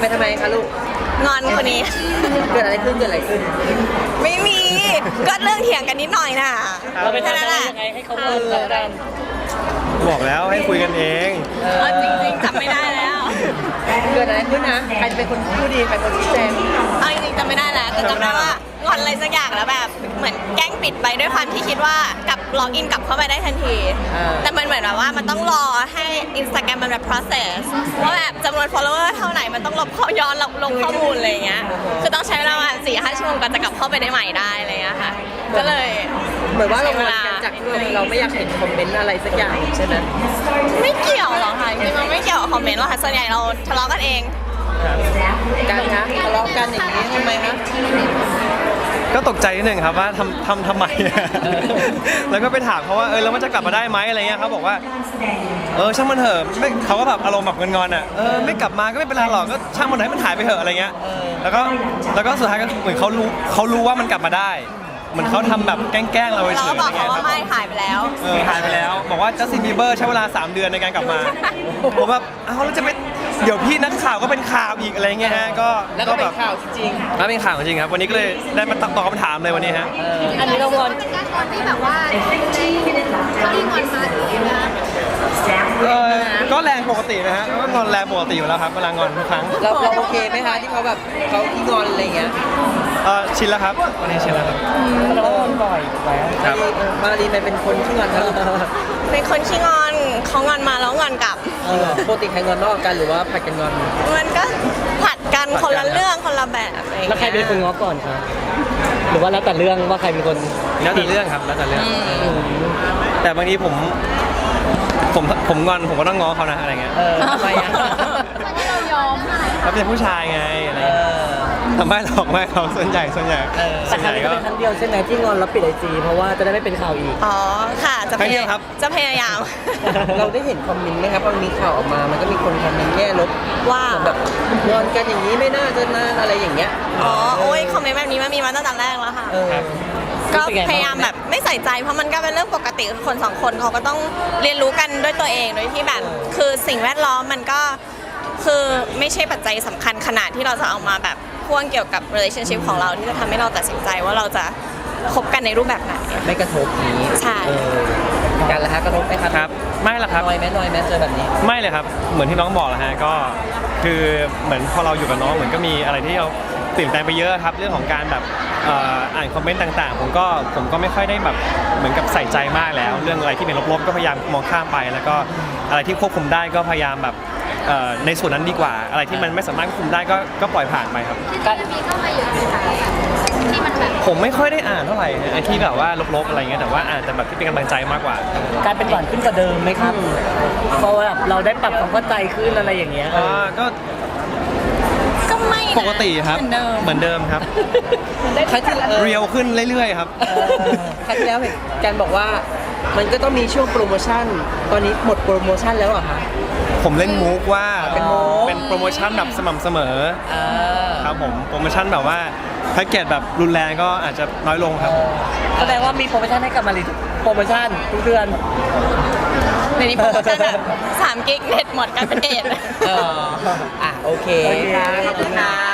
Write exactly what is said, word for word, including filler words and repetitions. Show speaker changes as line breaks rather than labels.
ไปทำไมคะลูก
งอนคนนี้
เกิดอะไรขึ้นเกิดอะไรขึ้น
ไม่มีก็เรื่องเถียงกันนิดหน่อยน่ะ
เราไปทำอะไรยังไงให้เขาเลิกกัน
บอกแล้วให้คุยกันเอง
เออจริงๆจำไม่ได้แล้ว
เกิดอะไรขึ้นนะใครจะเป็นคนพูดดีใครเป็นคนชี้แจง
เอาจริงๆจำไม่ได้แล้วแต่จำได้ว่างอนอะไรสักอย่างแล้วแบบเหมือนแกล้งปิดไปด้วยความที่คิดว่ากับล็อกอินกลับเข้าไปได้ทันทีแต่มันเหมือนแบบว่ามันต้องรอให้ Instagram มันแบบ process ว่าแบบจำนวน follower เท่าไหร่มันต้องลบข้อย้อนลงข้อมูลอะไรอย่างเงี้ยคือต้องใช้เวลาสี่ห้าชั่วโมงก่อนจะกลับเข้าไปได้ใหม่ได้อะไรอย่างเงี้ยค่ะก็เลย
เหมือนว่าเรางอนกันจากที่เราไม่อยากเห็นคอมเมนต์อะไรสักอย่างใช่ไหม
ไม่เกี่ยวหรอกค่ะจริงๆมันไม่เกี่ยวกับคอมเมนต์หรอกค่ะส่วนใหญ่เราทะเลาะกันเอง
การคะทะเลาะกันอย่างนี้ทำไมคะ
ก็ตกใจนิดนึงครับว่าทำทำทำไมแล้วก็ไปถามเขาว่าเออแล้วมันจะกลับมาได้ไหมอะไรเงี้ยเขาบอกว่าเออช่างมันเถอะไม่เขาก็แบบอารมณ์แบบงอนๆอ่ะเออไม่กลับมาก็ไม่เป็นไรหรอกก็ช่างมันให้มันหายไปเถอะอะไรเงี้ยแล้วก็แล้วก็สุดท้ายก็เหมือนเขารู้เขารู้ว่ามันกลับมาได้เหมือนเขาทำแบบแกล้งๆเราเฉยๆ
เราบอกเขาว่าไม่หายไปแล้ว
เออหายไปแล้วบอกว่าจัสตินบีเบอร์ใช้เวลาสามเดือนในการกลับมาผมแบบอ้าวแล้วจะไปเดี๋ยวพี่นักข่าวก็เป็นข่าวอีกอะไรเงี้ยฮะก็
แล้วก็เป็นข่าวจริง
ๆแล้วเป็นข่าวจริงครับวันนี้ก็เลยได้มาตอบคำถามเลยวันนี้ฮะ
อันนี้เรางอน
เป็นการงอนที่แบบว่าเขาที่งอนมาหรือยังไง
เออก็แรงปกตินะฮะก็งอนแรงปกติอยู่แล้วครับเวลางอนทุกครั้ง
เราเราโอเคไหมคะที่เขาแบบเขาที่งอนอะไรเงี้ย
เออชินแล้วครับวันนี้ชินแล้วครับ
เราก็งอนบ่อยแล้ว
ครับ
มารีไปเป็นคนที่งอนครับ
เป็นคนขี้งอนเขางอนมาแล้วงอนกลับ
ปกติใครงอนนอกกันหรือว่าผัดกันงอน
มันก็ผัดกันคนละเรื่องคนละแบบอะไรอย่างเงี้ย
แล้วใครเป็นคนง้อก่อนครับหรือว่าแล้วแต่เรื่องว่าใครเป็นคน
แล้วแต่เรื่องครับแล้วแต่เรื่องแต่บางทีผมผมผมงอนผมก็ต้องง้อเขานะอะไรเงี้ย
ทำไมอ่ะ
ที่เรายอม
เขาเป็นผู้ชายไงอะไรทำไมหรอกไม่เขาส่วนใหญ่ส่วนใหญ่
แต่ครั้งนี้ก็เป็นครั้งเดียวใช่ไหมที่งอนแล้วปิดไอจีเพราะว่าจะได้ไม่เป็นข่าวอีก
อ๋อค่ะจะพยายามจะพยายาม
เราได้เห็นคอมเมนต์ไหมครับมันมีข่าวออกมามันก็มีคนคอมเมนต์แง่ลบ
ว่า
แบบงอนกันอย่างนี้ไม่น่าจะนานอะไรอย่างเงี้ย
อ๋อโอ้ยคอมเมนต์แบบนี้มันมีมาตั้งแต่แรกแล้วค่ะก็พยายามแบบไม่ใส่ใจเพราะมันก็เป็นเรื่องปกติคนสองคนเขาก็ต้องเรียนรู้กันด้วยตัวเองโดยที่แบบคือสิ่งแวดล้อมมันก็คือไม่ใช่ปัจจัยสำคัญขนาดที่เราจะเอามาแบบพ่วงเกี่ยวกับ relationship ของเราที่จะทำให้เราตัดสินใจว่าเราจะคบกันในรูปแบบไหน
ไม่กระทบนี้
ใช่
การละฮะกระทบไหมครับ
ครับไม่ละครับ
น้อยไหมน้อยไหมเจอแบบนี้
ไม่เลยครับเหมือนที่น้องบอกแหละฮะก็คือเหมือนพอเราอยู่กับน้องเหมือนก็มีอะไรที่เราเปลี่ยนแปลงไปเยอะครับเรื่องของการแบบอ่านคอมเมนต์ต่างๆผมก็ผมก็ไม่ค่อยได้แบบเหมือนกับใส่ใจมากแล้วเรื่องอะไรที่เป็นลบๆก็พยายามมองข้ามไปแล้วก็อะไรที่ควบคุมได้ก็พยายามแบบในส่วนนั้นดีกว่าอะไรที่มันไม่สามารถควบคุมได้ก็ก็ปล่อยผ่านไปครับ
การมีเข้ามาเยอะไหมคะที่มันแบบ
ผมไม่ค่อยได้อ่านเท่าไหร่ไอ้ที่แบบว่าลบๆอะไรเงี้ยแต่ว่าอ่านแต่แบบที่เป็นกำลังใจมากกว่า
การเป็นหวานขึ้นกว่าเดิมไหมครับเพราะว่าเราได้ปรับความเข้าใจขึ้นอะไรอย่างเงี้ย
อ่าก็
ก็ไม่
ปกติครับเหมือนเดิมครับ
ครั้งที่
เรียวขึ้นเรื่อยๆครับ
ครั้งที่แล้วเห็นการบอกว่ามันก็ต้องมีช่วงโปรโมชั่นตอนนี้หมดโปรโมชั่นแล้วเหรอคะ
ผมเล่นมุกว่า
เป็นมุก
เป็นโปรโมชั่นแบบสม่ำเสมอครับผมโปรโมชั่นแบบว่าแพ็กเกจแบบรุนแรงก็อาจจะน้อยลงครับ
แสดงว่ามีโปรโมชั่นให้กับมาริโปรโมชั่นทุกเดือน
ในนี้โปรโมชั่นแบบสามกิกเน็ตหมดกันเป็นเดท
อ่ะโอเคค่ะขอบคุณค่ะ